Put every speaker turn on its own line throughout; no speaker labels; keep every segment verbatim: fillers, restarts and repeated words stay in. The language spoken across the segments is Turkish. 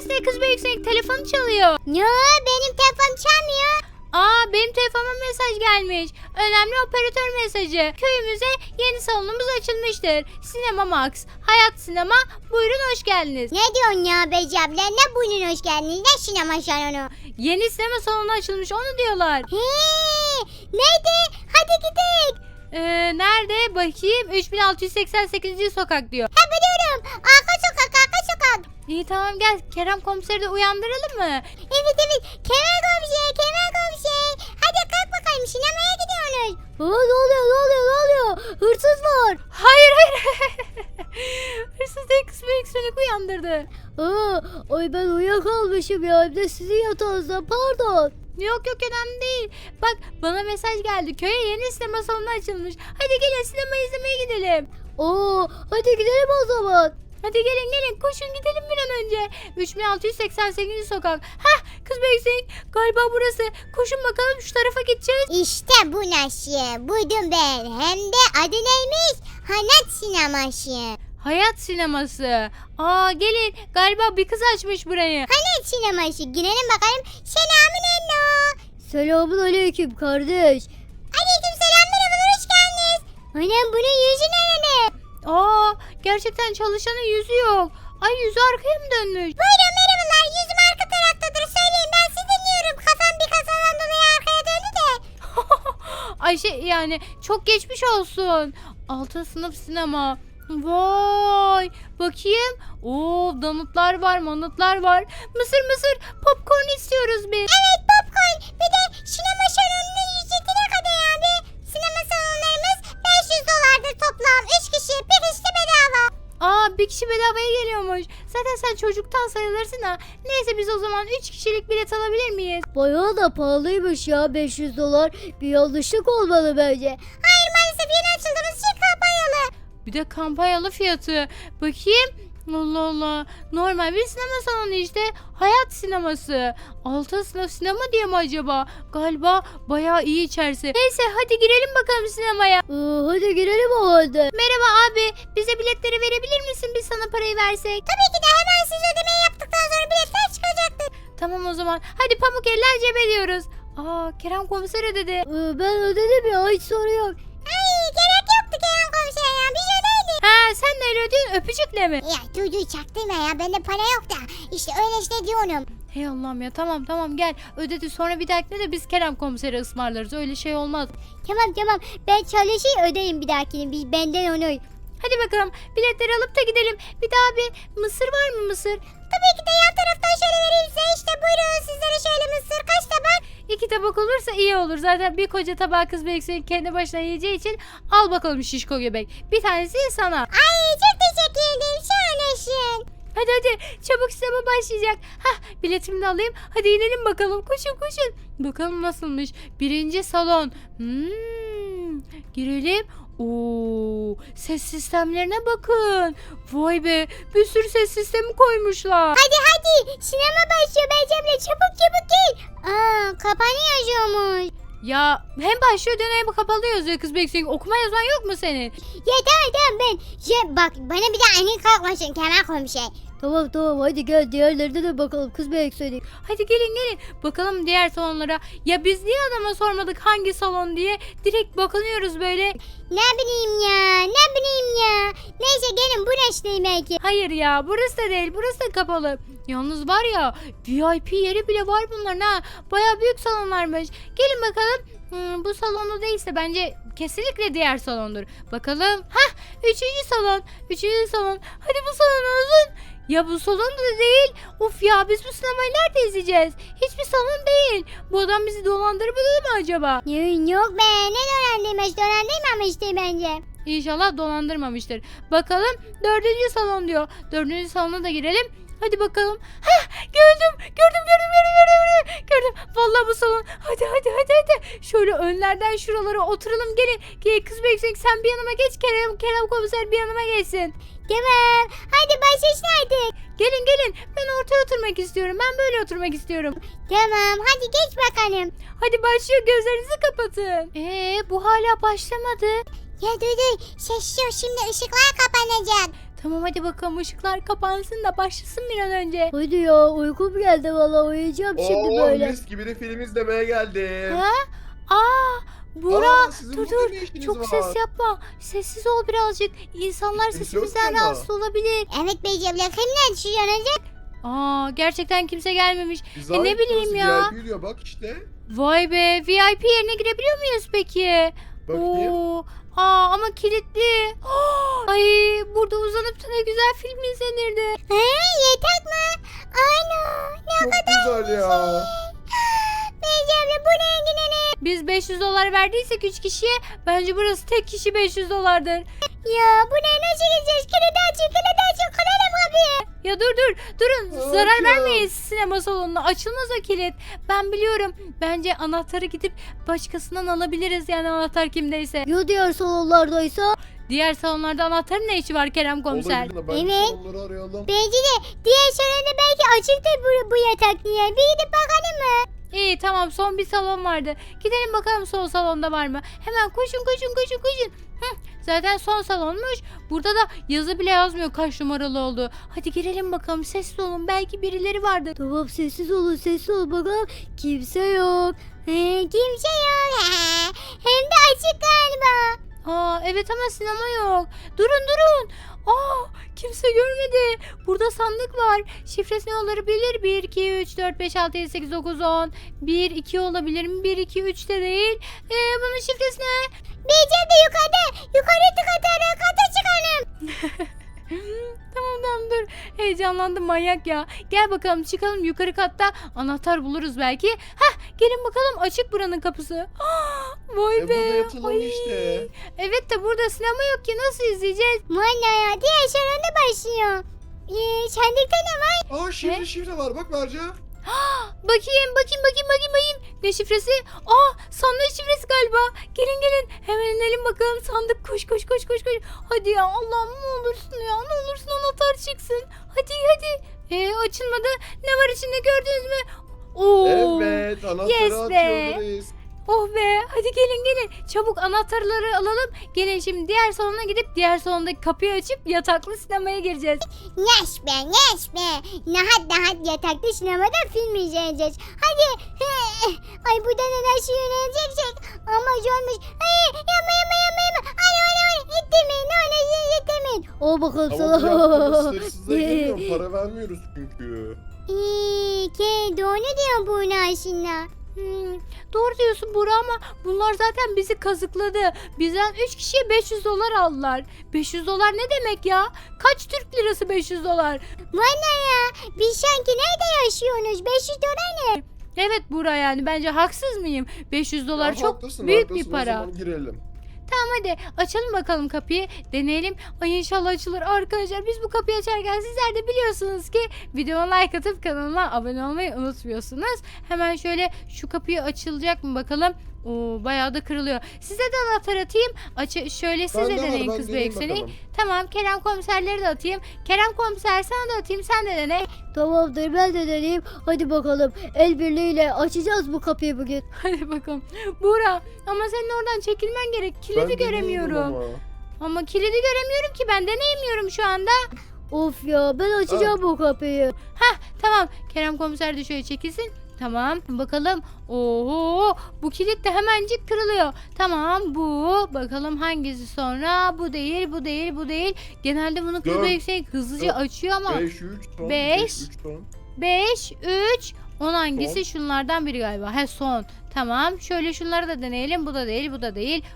sesine kız Büyüksek telefonu çalıyor.
Ne? Benim telefonum çalmıyor.
Aa benim telefonuma mesaj gelmiş. Önemli operatör mesajı. Köyümüze yeni salonumuz açılmıştır. Sinema Max, Hayat Sinema. Buyurun hoş geldiniz.
Ne diyorsun ya Beci abla? Ne buyurun hoş geldiniz? Ne sinema salonu?
Yeni sinema salonu açılmış onu diyorlar.
He, neydi? Hadi gidelim.
Ee, nerede? Bakayım. üç bin altı yüz seksen sekizinci sokak diyor.
Ha biliyorum. Arka sokak, arka sokak.
İyi tamam gel. Kerem komiseri de uyandıralım mı?
Evet evet. Kemal komşu, Kemal komşu. Hadi kalk bakalım sinemaya gidiyoruz. Aa, ne oluyor, ne oluyor, ne oluyor? Hırsız var.
Hayır hayır. Hırsız değil kız büyük sönük uyandırdı.
Aa, ay ben uyuyakalmışım ya. Hem de sizin yatağınızda, pardon.
Yok yok önemli değil. Bak bana mesaj geldi. Köye yeni sinema salonu açılmış. Hadi gelin sinema izlemeye gidelim.
Oo, hadi gidelim o zaman.
Hadi gelin gelin koşun gidelim bir an önce. üç bin altı yüz seksen sekizinci sokak. Hah kız Büyüksek galiba burası. Koşun bakalım şu tarafa gideceğiz.
İşte bu nasıl? Buydum ben. Hem de adı neymiş? Hayat sineması.
Hayat sineması. Aa gelin galiba bir kız açmış burayı.
Hayat sineması. Girelim bakalım. Selamün aleyküm. Selamun aleyküm kardeş. Aleyküm selam, merhabalar, hoş geldiniz. Annem bunun yüzü nerede?
Aa gerçekten çalışanın yüzü yok. Ay yüzü arkaya mı dönmüş?
Buyurun merhabalar, yüzüm arka taraftadır. Söyleyin, ben sizi dinliyorum. Kafam bir kazadan dolayı arkaya döndü de.
Ayşe yani çok geçmiş olsun. Altı sınıf sinema. Vay bakayım. Oo donutlar var manutlar var. Mısır mısır popcorn istiyoruz biz.
Evet, popcorn. Bir de sinema salonunun ücreti ne kadar abi? Sinema salonlarımız beş yüz dolardır toplam. üç kişi, bir kişi de bedava.
Aa bir kişi bedavaya geliyormuş. Zaten sen çocuktan sayılırsın ha. Neyse biz o zaman üç kişilik bilet alabilir miyiz?
Bayağı da pahalıymış ya, beş yüz dolar. Bir yanlışlık olmalı bence. Hayır, maalesef yeni açıldığımız için kampanyalı.
Bir de kampanyalı fiyatı. Bakayım. Allah Allah. Normal bir sinema salonu işte. Hayat sineması. Altı sınıf sinema diye mi acaba? Galiba bayağı iyi içerisi. Neyse hadi girelim bakalım sinemaya.
Ee, hadi girelim o halde.
Merhaba abi. Bize biletleri verebilir misin? Biz sana parayı versek.
Tabii ki de, hemen siz ödemeyi yaptıktan sonra biletler çıkacaktır.
Tamam o zaman. Hadi pamuk eller cebe diyoruz. Aa Kerem komiser ödedi.
Ee, ben ödedim ya, hiç sorun yok. Ay, gerek yoktu Kerem komiser ya, biz ödeydik.
Ha sen neyle ödüyorsun? Öpücükle mi?
Ya çocuğu çaktırma ya, bende para yok da. İşte öyle işte diyorum.
Hey Allah'ım ya tamam tamam gel. Ödedi sonra bir dahakine de biz Kerem komiseri ısmarlarız. Öyle şey olmaz.
Tamam tamam, ben çalışayım ödeyim bir dahakini, biz benden onu.
Hadi bakalım biletleri alıp da gidelim. Bir daha bir mısır var mı mısır?
Tabii ki de, yan taraftan şöyle vereyim size, işte buyurun sizlere şöyle mısır, kaç tabak?
İki tabak olursa iyi olur. Zaten bir koca tabağı kız Büyüksek kendi başına yiyeceği için al bakalım şişko göbek. Bir tanesi sana.
Ay çok teşekkür ederim, şahanesin.
Hadi hadi çabuk sinema başlayacak. Hah biletimi de alayım. Hadi inelim bakalım. Koşun koşun. Bakalım nasılmış. Birinci salon. Hmm, girelim. Oo, ses sistemlerine bakın. Vay be bir sürü ses sistemi koymuşlar.
Hadi hadi, sinema başlıyor Beycem'le, çabuk çabuk gel. Aa, kapanıyormuş.
Ya hem başlıyor dön hem kapalı yazıyor kız Büyüksek. Okuma yazman yok mu senin?
Ya tamam tamam, ben şey, bak bana bir de aynı kalkmasın Kemal komşu. Tamam tamam, hadi gel diğerlerine de bakalım kız Büyüksek.
Hadi gelin gelin. Bakalım diğer salonlara. Ya biz niye adama sormadık hangi salon diye? Direkt bakınıyoruz böyle.
Ne bileyim ya, ne bileyim ya. Neyse gelin, burası değil belki.
Hayır ya burası da değil burası da kapalı. Yalnız var ya V I P yeri bile var bunların ha. Baya büyük salonlarmış. Gelin bakalım. Hmm, bu salonda değilse bence kesinlikle diğer salondur. Bakalım. Hah üçüncü salon. Üçüncü salon. Hadi bu salon olsun. Ya bu salon da değil. Of ya biz bu sinemayı nerede izleyeceğiz? Hiçbir salon değil. Bu adam bizi dolandırmadı mı acaba?
Yok, yok be, ne dolandırmış, dolandırmamıştı bence.
İnşallah dolandırmamıştır. Bakalım dördüncü salon diyor. Dördüncü salona da girelim. Hadi bakalım. Hah gördüm. Gördüm gördüm gördüm gördüm. Gördüm. Vallahi bu salon. Hadi hadi hadi hadi. Şöyle önlerden şuralara oturalım. Gelin. Gel kız Büyüksek sen bir yanıma geç. Kerem, Kerem komiser bir yanıma geçsin.
Tamam, hadi başlasın artık.
Gelin gelin. Ben ortaya oturmak istiyorum. Ben böyle oturmak istiyorum.
Tamam, hadi geç bakalım.
Hadi başlıyor. Gözlerinizi kapatın. Ee bu hala başlamadı.
Ya dur dur, sessiz ol, şimdi ışıklar kapanacak.
Tamam hadi bakalım ışıklar kapansın da başlasın bir an önce.
Hadi ya uykum geldi valla uyuyacağım şimdi
Oo,
böyle.
mis gibi de film izlemeye geldim.
Ha? Aa, Buğra
Aa, sizin
dur
burada
dur
ne işiniz
çok
var?
ses yapma. Sessiz ol birazcık. İnsanlar
Kimse yok
sesimizden
ama.
rahatsız olabilir.
Evet Beyci abla kimden şu yanacak?
Aa, gerçekten kimse gelmemiş.
Biz
E, ne
ait
bileyim
burası,
ya.
V I P diyor bak işte.
Vay be V I P yerine girebiliyor muyuz peki?
Bakayım.
Oo, aa, ama kilitli. Ay burada uzanıp da ne güzel film izlenirdi.
He yetek mi? Ana ne
Çok güzel ya.
Beyci abla bu ne gidelim?
Biz beş yüz dolar verdiysek üç kişiye bence burası tek kişi beş yüz dolardır.
Ya bu ne nasıl gideceğiz? Kilidi açın kilidi açın kırarım kapıyı.
Ya dur dur durun
Yok
zarar
ya.
vermeyiz sinema salonuna açılmaz o kilit. Ben biliyorum bence anahtarı gidip başkasından alabiliriz yani anahtar kimdeyse.
Ya diğer salonlardaysa?
Diğer salonlarda anahtarın ne işi var Kerem komiser?
Olabilir de bence
Evet.
onları arayalım.
Bence de diğer salonda belki açıktır bu, bu yatak diye. Bir gidip bakalım mı?
İyi tamam son bir salon vardı. Gidelim bakalım son salonda var mı? Hemen koşun koşun koşun koşun. Hıh, zaten son salonmuş. Burada da yazı bile yazmıyor kaç numaralı oldu. Hadi girelim bakalım sessiz olun belki birileri vardır.
Tamam sessiz olun sessiz olun bakalım. Kimse yok. He, kimse yok. Hem de açık galiba.
Aa evet ama sinema yok. Durun durun. Aa kimse görmedi. Burada sandık var. Şifresi ne olabilir? bir, iki, üç, dört, beş, altı, yedi, sekiz, dokuz, on. bir, iki olabilir mi? bir, iki, üç de değil. Ee, bunun şifresi ne?
Beyeceğim de yukarıda. Yukarı tık atarım. Kata çıkalım.
Tamam tamam dur. Heyecanlandım manyak ya. Gel bakalım çıkalım yukarı katta. Anahtar buluruz belki. Hah gelin bakalım açık buranın kapısı. Ah, vay
E,
be.
burada yatalım
Ay.
işte.
Evet de burada sinema yok ki nasıl izleyeceğiz?
Valla ya diğer salonda başlıyor. Ee, sandıkta ne var?
Aa şifre
Ne?
şifre var bak Berca.
Bakayım bakayım bakayım bakayım bakayım. Ne şifresi? Aa sandık şifresi galiba. Gelin gelin hemen inelim bakalım sandık koş koş koş koş koş. Hadi ya Allah'ım ne olursun ya ne olursun anahtar çıksın. Hadi hadi. Ee, açılmadı. Ne var içinde gördünüz mü? Oo.
Evet anahtarı
yes be.
açıyoruz.
Oh be hadi gelin gelin çabuk anahtarları alalım. Gelin şimdi diğer salona gidip diğer salondaki kapıyı açıp yataklı sinemaya gireceğiz.
Yaş be yaş be. Rahat rahat yatakta sinemada film izleyeceğiz. Hadi. Ay burada neler şey yöneleceksek. Ama zormuş. Ay yapma yapma yapma yapma. Ay ay ay. İttirmeyin ne olur ittirmeyin. O bakalım
Ama bu yaptığımız
sana.
hırsızlığa girmiyorum. Para vermiyoruz çünkü.
İyi ki doğru diyor bu aslında.
Hmm, doğru diyorsun Buğra ama bunlar zaten bizi kazıkladı. Bizden üç kişiye beş yüz dolar aldılar. beş yüz dolar ne demek ya? Kaç Türk lirası beş yüz dolar?
Valla ya. Biz sanki nerede yaşıyorsunuz? beş yüz dolar ne?
Evet Buğra yani bence haksız mıyım? beş yüz dolar
Ya
çok
haklısın,
büyük
haklısın.
bir para.
O zaman girelim.
Tamam hadi açalım bakalım kapıyı deneyelim. Ay inşallah açılır arkadaşlar. Biz bu kapıyı açarken sizler de biliyorsunuz ki videoma like atıp kanalıma abone olmayı unutmuyorsunuz. Hemen şöyle şu kapıyı açılacak mı bakalım. Oo, bayağı da kırılıyor. Size de anahtar atayım. Açı şöyle siz de
Bende var,
deneyin
ben
kız
deneyeyim
büyükseni.
bakalım.
Tamam Kerem komiserleri de atayım. Kerem komiser sana da atayım sen de dene.
Tamamdır ben de deneyeyim. Hadi bakalım el birliğiyle açacağız bu kapıyı bugün.
Hadi bakalım. Buğra ama senin oradan çekilmen gerek. Kilidi
Ben deneyeyim
göremiyorum.
ama.
Ama kilidi göremiyorum ki ben deneyemiyorum şu anda.
Of ya ben açacağım bu kapıyı.
Hah tamam Kerem komiser de şöyle çekilsin. Tamam bakalım. Oho bu kilit de hemencik kırılıyor. Tamam bu. Bakalım hangisi sonra. Bu değil bu değil bu değil. Genelde bunu kız
Dört,
yüksek hızlıca
dört,
açıyor ama.
beş üç ton.
Beş.
beş üç ton.
beş, üç, on hangisi?
Son.
Şunlardan biri galiba. He son. Tamam şöyle şunları da deneyelim. Bu da değil bu da değil.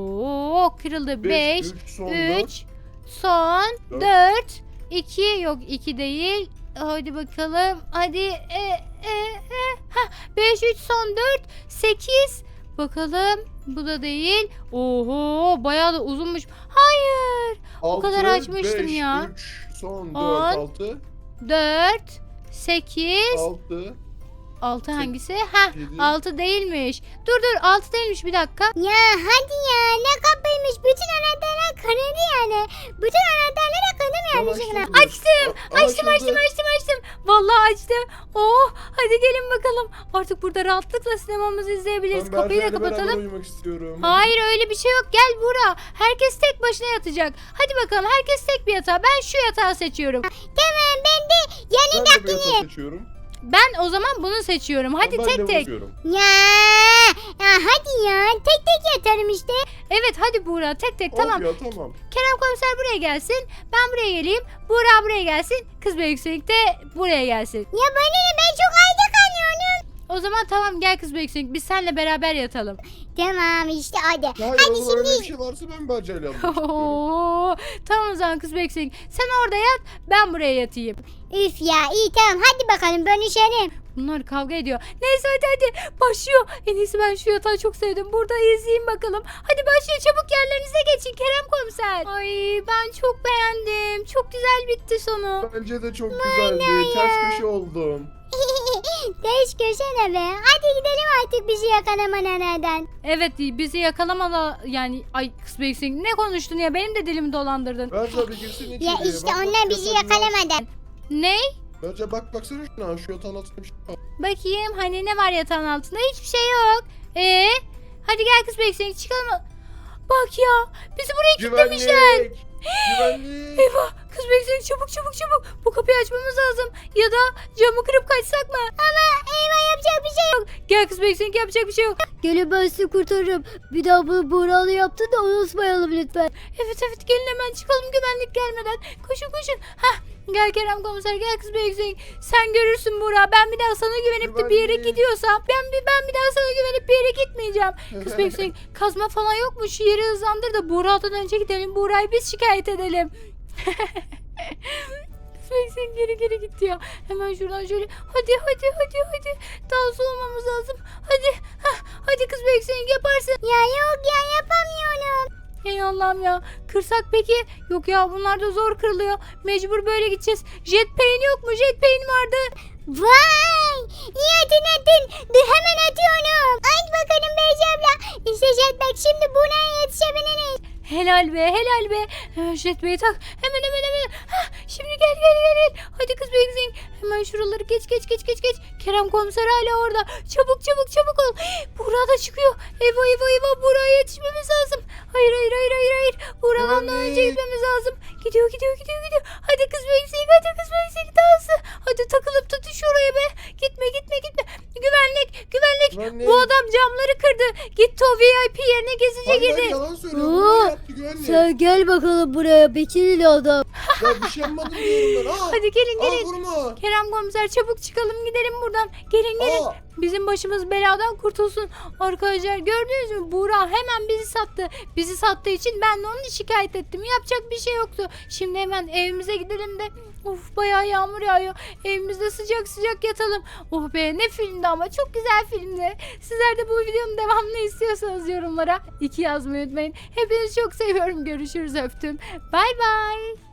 Oo kırıldı. beş,
beş üç son dört.
üç, son
Dört.
dört, iki yok iki değil. Hadi bakalım. Hadi. E, e, e. Hah, beş, üç, son dört, sekiz. Bakalım. Bu da değil. Oho bayağı da uzunmuş. Hayır. O kadar
altı,
açmıştım
beş,
ya.
üç son
On.
dört altı.
dört, sekiz,
altı.
Altı
Sek-
hangisi? Ha,
yedi.
altı değilmiş. Dur dur, altı değilmiş, bir dakika.
Ya hadi ya ne kapıymış. Bütün anahtarlar kanadı yani. Bütün anahtarlara kanım
Tamam,
yanlışlıkla.
açtım.
Açtım.
Aa,
Açtım,
açıldı.
açtım, açtım, açtım. Vallahi açtım. Oh, hadi gelin bakalım. Artık burada rahatlıkla sinemamızı izleyebiliriz.
Ben
Kapıyı da
Berca'yla beraber
kapatalım.
uyumak istiyorum.
Hayır, öyle bir şey yok. Gel Buğra. Herkes tek başına yatacak. Hadi bakalım, herkes tek bir yatağa. Ben şu yatağı seçiyorum.
Tamam ben de
Ben de bu
yanındakini.
yatağı seçiyorum.
Ben o zaman bunu seçiyorum. Hadi
Ben de
tek
bunu
tek.
seçiyorum.
Ya, ya hadi ya tek tek yatarım işte.
Evet, hadi Buğra, tek tek.
Of
Tamam.
ya tamam.
Kerem komiser buraya gelsin. Ben buraya geleyim. Buğra buraya gelsin. Kız Büyüksünük de buraya gelsin.
Ya bana ne, ben çok ayda kalıyorum.
O zaman tamam, gel Kız Büyüksünük. Biz seninle beraber yatalım.
Tamam işte hadi.
Hayır
Hadi
o zaman öyle
şimdi.
bir şey varsa ben Berca'yla uyumak istiyorum.
Oo, tamam o zaman Kız Büyüksünük. Sen orada yat, ben buraya yatayım.
Üf ya iyi tamam hadi bakalım bölüşelim.
Bunlar kavga ediyor. Neyse hadi hadi başlıyor. En iyisi ben şu yatağı çok sevdim. Burada izleyeyim bakalım. Hadi başlıyor, çabuk yerlerinize geçin Kerem komiser. Ay, ben çok beğendim. Çok güzel bitti sonu.
Bence de çok güzeldi. Ters köşe oldum.
Değiş köşene be. Hadi gidelim artık bizi yakalama nereden.
Evet, bizi yakalamala yani, ay Kız Büyüksünük ne konuştun ya, benim de dilimi dolandırdın.
Berca bir girsin içeriye.
Ya işte
Bak, bak,
onlar bizi
yatağın altı-
yakalamadı.
Ne?
Berca bak baksana şuna, şu yatağın altında bir şey var.
Bakayım, hani ne var yatağın altında? Hiçbir şey yok. Ee, hadi gel Kız Büyüksünük, çıkalım. Bak ya, bizi buraya kilitlemişler.
Güvenlik. Güvenlik.
Eyvah, Kız Büyüksünük, çabuk çabuk çabuk. Bu kapıyı açmamız lazım. Ya da camı kırıp kaçsak mı?
Ama eyvah yapacak bir şey yok.
Gel Kız Büyüksünük, yapacak bir şey yok.
Gelin ben sizi kurtarırım. Bir daha bu Buğralı yaptı da unutmayalım lütfen.
Evet evet, gelin hemen çıkalım güvenlik gelmeden. Koşun koşun. Hah, gel Kerem komiser, gel Kız Büyüksünük. Sen görürsün Buğra, ben bir daha sana güvenip de bir yere
Güvenlik.
gidiyorsam ben bir ben bir daha sana güvenip bir yere gitmeyeceğim. Kız Büyüksünük, kazma falan yok mu? Şu yeri hızlandır da Buğra'dan önce gidelim. Buğra'yı biz şikayet edelim. Kız Büyüksünük geri geri gitti ya. Hemen şuradan şöyle. Hadi hadi hadi hadi. Daha hızlı olmamız lazım. Hadi. Hah, hadi Kız Büyüksünük, yaparsın.
Ya yok ya yapamıyorum.
Ey Allah'ım ya. Kırsak peki? Yok ya, bunlar da zor kırılıyor. Mecbur böyle gideceğiz. Jetpack'in yok mu? Jetpack'in vardı.
Vay! İyi hatırlattın. Dur hemen atıyorum. Ay bakalım Beyci abla. İşte jetpack şimdi buna yetişebiliriz.
Helal be, helal be. Hemen jetpack'i tak. Hemen hemen hemen. Hah, şimdi gel gel gel gel. Hadi Kız Büyüksünük. Hemen şuraları geç geç geç geç geç. Kerem komiser hala orada. Çabuk çabuk çabuk ol. Buğra da çıkıyor. Eyvah eyvah eyvah. Buğra'ya yetişmemiz lazım. Hayır hayır hayır hayır hayır. Buğra'dan da önce
Güvenlik.
gitmemiz lazım. Gidiyor gidiyor gidiyor gidiyor. Hadi Kız Büyüksünük, hadi Kız Büyüksünük, daha hızlı. Hadi takılıp tutuş oraya be. Gitme gitme gitme. Güvenlik güvenlik.
Güvenlik.
Bu adam camları kırdı. Gitti o V I P yerine gizlice
Hayır
girdi.
hayır, yalan söylüyor.
Oo.
Bunlar yaptı güvenlik.
Sen gel bakalım buraya Bekirli adam.
Ya bir şey yapmadım diyorum ben. Aa,
Hadi gelin
aa,
gelin.
vurma.
Kerem komiser, çabuk çıkalım gidelim buradan. Gelin gelin.
Aa.
Bizim başımız beladan kurtulsun. Arkadaşlar gördünüz mü? Buğra hemen bizi sattı. Bizi sattığı için ben de onu şikayet ettim. Yapacak bir şey yoktu. Şimdi hemen evimize gidelim de. Of, bayağı yağmur yağıyor. Evimizde sıcak sıcak yatalım. Oh be, ne filmdi ama, çok güzel filmdi. Sizler de bu videonun devamını istiyorsanız yorumlara iki yazmayı unutmayın. Hepinizi çok seviyorum. Görüşürüz, öptüm. Bay bay.